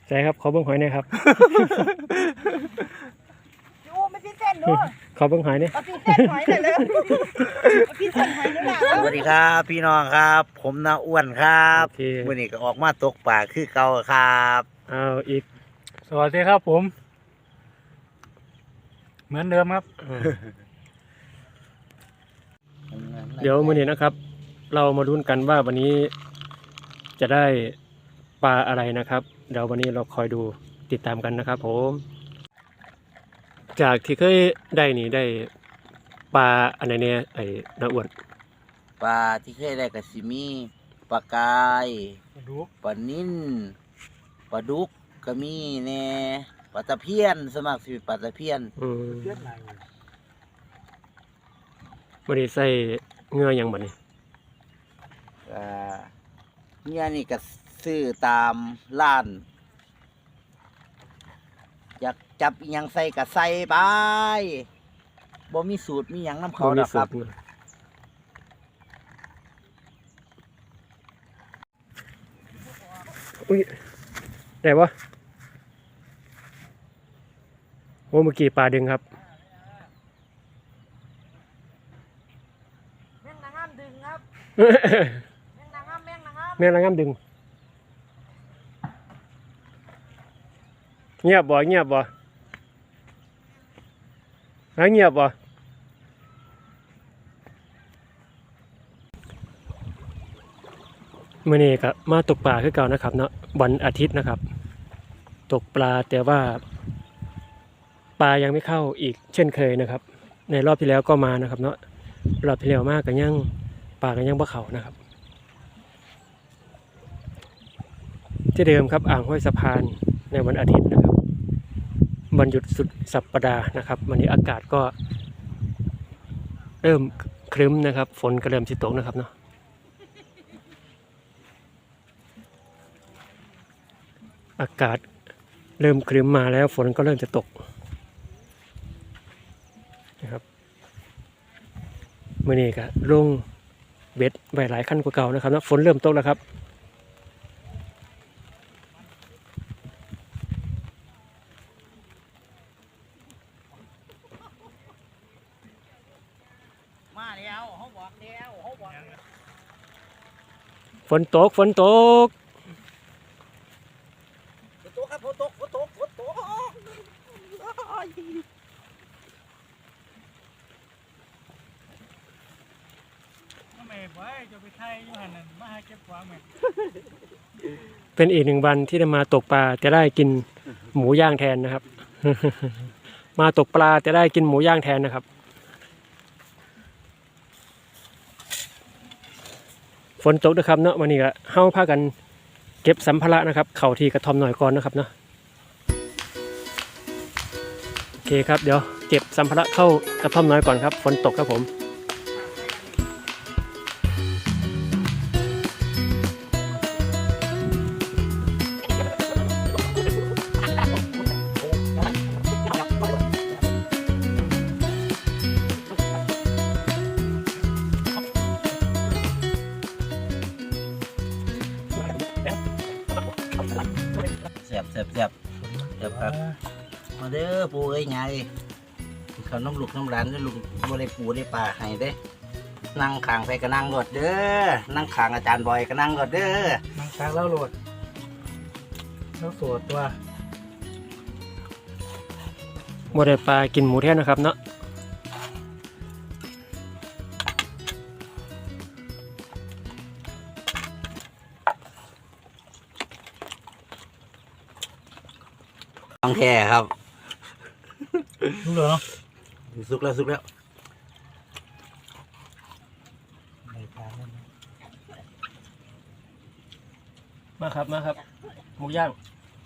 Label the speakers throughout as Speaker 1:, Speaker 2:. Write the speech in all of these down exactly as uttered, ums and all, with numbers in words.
Speaker 1: ใช่ครับขอเบิ้งหอยหน่อยครับ
Speaker 2: โอ้ไม่พี่เส้นด้วย
Speaker 1: ขอเบิ้งหอยเนี่ย
Speaker 2: เอาพี่เส้นหอยหน่อยเลยเอาพี่เส้นหอยหน่อยนะ
Speaker 3: สวัสดีครับพี่น้องครับผมน้าอ้วนครับ
Speaker 1: โอเค
Speaker 3: วันนี้ก็ออกมาตกปลาคือเก่าครับ
Speaker 1: เอาอีก
Speaker 4: สวัสดีครับผมเหมือนเดิมครับ
Speaker 1: เดี๋ยวมื้อนี้นะครับ เรามาลุ้นกันว่าวันนี้จะได้ปลาอะไรนะครับเดี๋ยววันนี้เราคอยดูติดตามกันนะครับผมจากที่เคยได้นี่ได้ปลาอะไรเนี่ยไอ้น้าอ้วน
Speaker 3: ปลาที่เคยได้กับซิมีปลากาย
Speaker 4: ดู
Speaker 3: ปลานิ่นปลาดุกก็มีแน่ปลาตะเพียนสมัครสิปลาตะเพียน
Speaker 1: อืม
Speaker 4: เลือดไหล
Speaker 1: วันนี้ใส่เงืออย่างบัดนี้
Speaker 3: อ่าเนี่ยนี่ก็ซื้อตามร้านอยากจับอิหยังใส่ก็ใส่ไปบ่มีสูตรมีหยังน้ำเขาดอกครับ
Speaker 1: อุ้ยได้ปะโอ้เมื่อกี้ปลาดึงครับ
Speaker 2: แม่งนางงามดึงครับแม่งนางงามแม่งนางงาม
Speaker 1: แม่ละงามดึงเงียบบ่เงียบบ่หาเงียบบ่มื้อนี้ก็มาตกปลาคือเก่านะครับเนาะวันอาทิตย์นะครับ ตกปลาแต่ว่าปลายังไม่เข้าอีกเช่นเคยนะครับ ในรอบที่แล้วก็มานะครับเนาะรอบที่แล้วมากกันยังปลากันยังบ่เข้านะครับที่เดิมครับอ่างห้วยสะพานในวันอาทิตย์นะครับวันหยุดสุดสัปดาห์นะครับวันนี้อากาศก็เริ่มครึ้มนะครับฝนก็เริ่มสิตกนะครับเนาะอากาศเริ่มครึ้มมาแล้วฝนก็เริ่มจะตกนะครับมื้อนี้ก็ลงเบ็ดไว้หลายขั้นกว่าเก่านะครับเนาะฝนเริ่มตกแล้วครับ
Speaker 3: มาแล้วเขาบอกแล้วเขาบอก
Speaker 1: ฝนตกฝนตก
Speaker 3: ฝนตกครับฝนตกฝนตกฝนตก
Speaker 4: ทำไมไว้จะไปไทยอยู่หันนั่นมาหาเก็บความไหม
Speaker 1: เป็นอีกหนึ่งวันที่ได้มาตกปลาจะได้กินหมูย่างแทนนะครับ มาตกปลาจะได้กินหมูย่างแทนนะครับฝนตกด้วยครับเนาะวันนี้ก็เฮาพากันเก็บสัมภาระนะครับเข่าที่กระท่อมหน่อยก่อนนะครับเนาะโอเคครับเดี๋ยวเก็บสัมภาระเข้ากระท่อมน้อยก่อนครับฝนตกครับผม
Speaker 3: เสียบเสียบเสียบเสียบครับมาเด้อปูเอ้ยไงเขาน้ำลูกน้ำร้านได้ลูกบ่ได้ปูได้ปลาให้เด้นั่งขางไปก็นั่งรถเด้อนั่งขางอาจารย์บอยก็นั่งรถเด้อ
Speaker 4: นั่งตากแล้วโหลดแล้วสวดตัว
Speaker 1: บ่ได้ปลากินหมูแทนนะครับเนาะ
Speaker 3: ต้องแท้ครับ
Speaker 4: รู้เหรอ
Speaker 3: สุกแล้วสุกแล้ว
Speaker 4: ในการนั่น
Speaker 1: มาครับมาครับหมูย่าง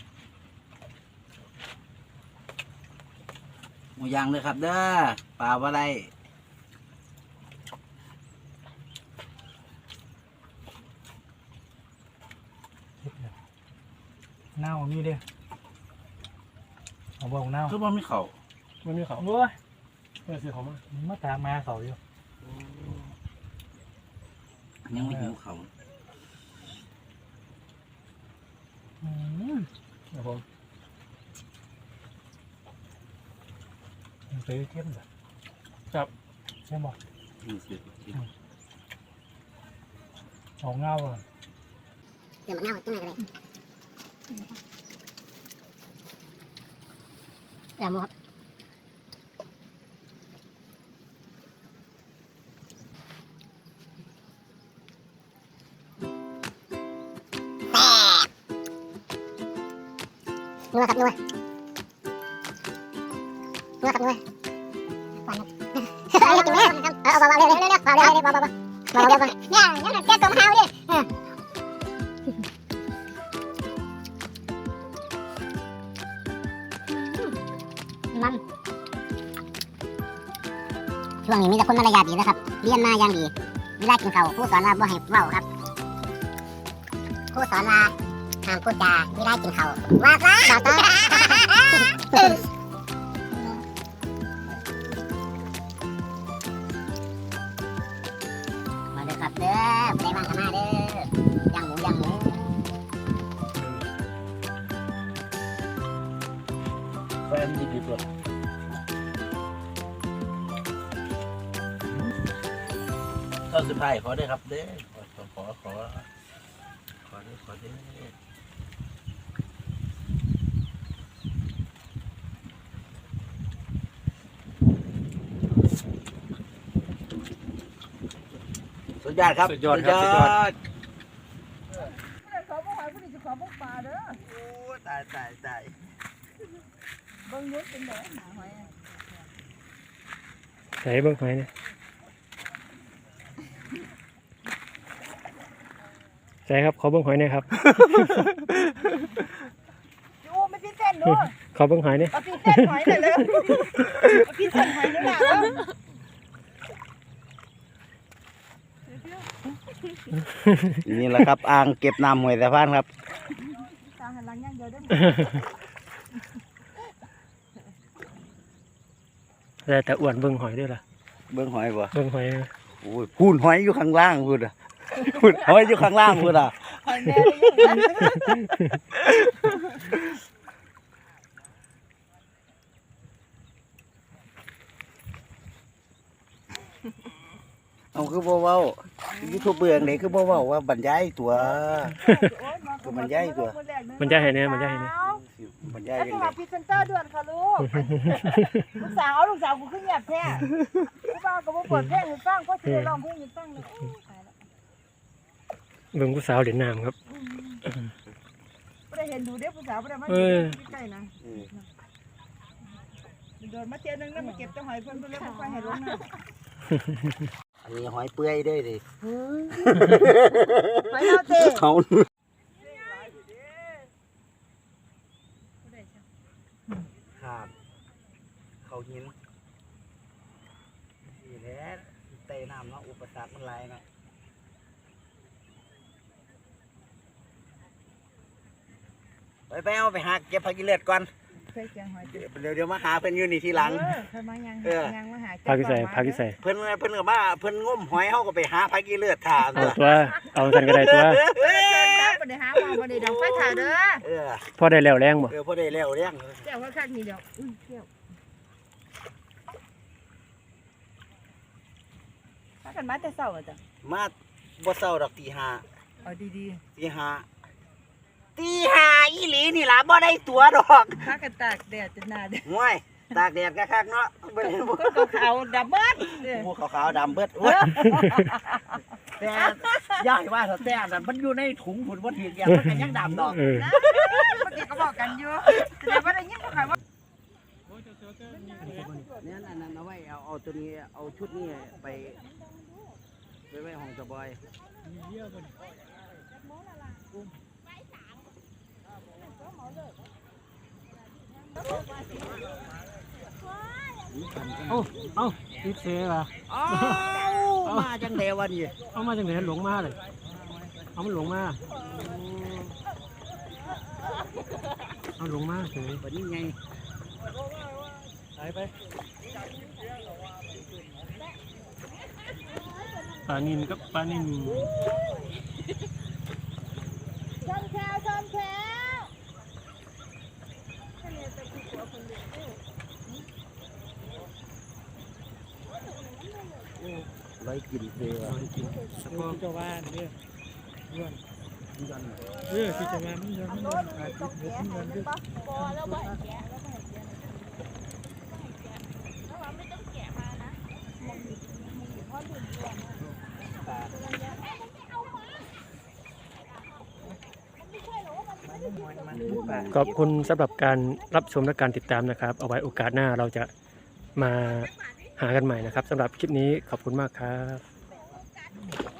Speaker 3: หมูย่างเลยครับเด้อปลาว่าไร
Speaker 4: เน่ามีเด้อเอาบอกเน่า
Speaker 3: คือว่าไม่เข่า
Speaker 1: มันมีเขา
Speaker 4: โอ้ย
Speaker 1: เออซื้อเขามา
Speaker 4: มาตามมาเขาอยู่
Speaker 3: ยังไม่หิวเข่า
Speaker 4: อืม
Speaker 1: ครับผม
Speaker 4: มันซื้อเข้มแบบ
Speaker 1: ครับ
Speaker 4: ใช่ไหม
Speaker 3: อืมสิ
Speaker 4: สองเงาอ่ะ
Speaker 2: เดี๋ยวมันเน่าจังไหนเลยเดี๋ยวหมดนัวครับนัวนัวครับนัวฟันครับเอากินแม่เอาเบาๆเร็วๆเร็วๆเบาๆเร็วๆเบาๆเบาๆเบาๆเบาๆเนี่ยยังแก้ตัวเฮาดิมันช่วงนี้มีแต่คนมารยาทดีนะครับเรียนมาอย่างดีเวลากินข้าวครูสอนว่าบ่ให้เว้าครับครูสอนว่าห้ามพูดจาเวลากินข้าวว่าซะต่อต่อมาเด้อครับเด้อไปบ้านกันมาเด้อย่างหมูย่างหมู
Speaker 3: แฟนดีดีตัวตอนสุดท้ายขอได้ครับเด้ขอขอขอขอได้ขอได้สุดยอดครับ
Speaker 1: สุดยอดครับสุดยอด
Speaker 2: ขอบ่หอยผู้นี้จะขอบ่ปลาเด้อ
Speaker 3: โอ้ตายตายตาย
Speaker 2: เบิ่งยุดเป็นแดงหาหอย
Speaker 1: ใส่เบิ่งหอยนะใส่ครับขอเบิ่งหอยหน่อยครับ
Speaker 2: โอ้ไม่พี่เส้นดู
Speaker 1: ขอเบิ่งหอยหน่อย
Speaker 2: เอาพี่เส้นหอยหน่อยเลยเอาพี่เส้นหอยนี่ล่ะเด้อ
Speaker 3: นี่แหละครับอ่างเก็บน้ำห้วยสะพานครับ
Speaker 2: ตาหันหลังอย่างเดียวเด้อ
Speaker 1: แต่แต่อ้วนเบิ่งหอยด้วยล่ะ
Speaker 3: เบิ้งหอยบ่
Speaker 1: เบิ่งหอยนะ
Speaker 3: โอ้ยพูนหอยอยู่ข้างล่างพูดอ่ะพูนหอยอยู่ข้างล่างพูดอ่ะ
Speaker 2: หอยแม่ได้ยังไง
Speaker 3: เอาคือบ่เว้ายูทูบเบื่อไหนคือบ่เว้าว่าบรรยายตัวก็บรรยายตัว
Speaker 1: มันจะให้เนี่ยมันจะให้เนี่ย
Speaker 3: บรรยาย
Speaker 2: แล้ว
Speaker 3: ยั
Speaker 2: โทรง
Speaker 3: ไง
Speaker 2: หาพรีเซนเตอร์ด่วนค่ะลูกลูกสาวเอาลูกสาวกูขึ้นเงียบแท้ลูกสาวก็บ่เปิดเพลงให้ฟังเพราะสิได้ร้องเพลงให้ฟังเลยโอ้ตายแล้ว
Speaker 1: เบิ่งผู้สาวเด่นน้ำครับ
Speaker 2: บ่ได้เห็นดูเด้อผู้สาวบ่ได้มา
Speaker 1: เออ
Speaker 2: ใกล้ๆนะโดนมาเที่ยวนึงแล้วมาเก็บแต่หอยเพิ่นเพิ่นเลยบ่ค่อยให้ลงน้ำ
Speaker 3: อันนี้หอยเปื่อยด้วยดิ
Speaker 2: หอยเอาเต้
Speaker 3: เขาครับเขาหินนี่แหละเตะน้ำเนาะอุปสรรคมันหลายเนาะไปไปเอาไปหาเก็บผักกิเลสก่อน
Speaker 2: เคยเจียงหอยเต้
Speaker 3: เดี๋ยวเดี๋ยวมาหาเพิ่นอยู่นี่ทีหลัง
Speaker 2: เออเพิ่นมายัง
Speaker 3: เออ
Speaker 2: ยังมาหา
Speaker 1: พากิใส่พากิใส่
Speaker 3: เพิ่นเพิ่นก็มาเพิ่นงมหอยเฮาก็ไปหาผักกิเลสถ่า
Speaker 1: เอาตัว เอาสันก็ได้ตัว
Speaker 2: เออครับบ่ได้หาหมองบ่ได้ดอกไฟถ่าเด้อ
Speaker 3: เออ
Speaker 1: พอได้แล้วแรงบ่
Speaker 3: เออพอได้แล้วเลี้ยง
Speaker 2: แก้วว่าคักนี่ดอกอื้อแก้วพากันมาแต่เช้าอ่ะจ้ะ
Speaker 3: มาบ่เช้าดอกตีห้า
Speaker 2: เอาดี
Speaker 3: ตีห้าตีห้าอีหลีนี่ล่ะบ่ได้ตัวดอก
Speaker 2: ๆพากันตากแดดจนหน้าเด้อ
Speaker 3: ห่วยตากแดดคักๆเนาะบ่ได้บ่
Speaker 2: ก็ขาวๆดำเบิดเด้อ
Speaker 3: หมูขาวๆดำเบิดโอ้ยแต่ย่ายว่าถ้าแต่นั่นมันอยู่ในถุงพุ่นบ่ถึกอย่างมันก็ยังดำดอก
Speaker 1: เออ
Speaker 2: นะเมื่อกี้ก็บอกกันอยู่แสดงว่าได้ยินเขาขายว่า
Speaker 3: เนี่ยอันนั้นเอาไว้เอาเอาตัวนี้เอาชุดนี้ไปไปไว้ห้องสบาย
Speaker 1: เอาเอาติดเสว่ะ
Speaker 3: อ้าวมาจังเดวันนี้
Speaker 1: เอามาจากไหนหลงมาเลยเอามันหลงมาเอาหลงมาเฉย
Speaker 3: วันนี้ไง
Speaker 1: ไปไปปลานินกับปลานิน
Speaker 2: ชมแชวชมแชว
Speaker 3: ร้อยกินเลยว่ะ
Speaker 4: แล้วก็เจ้าว่าเนี่ยย้อนเออที่จะมามันย้อนมันย้อนอาทิตย์เดือนมันย้อนด้วย
Speaker 1: ขอบคุณสำหรับการรับชมและการติดตามนะครับ เอาไว้โอกาสหน้าเราจะมาหากันใหม่นะครับสำหรับคลิปนี้ขอบคุณมากครับ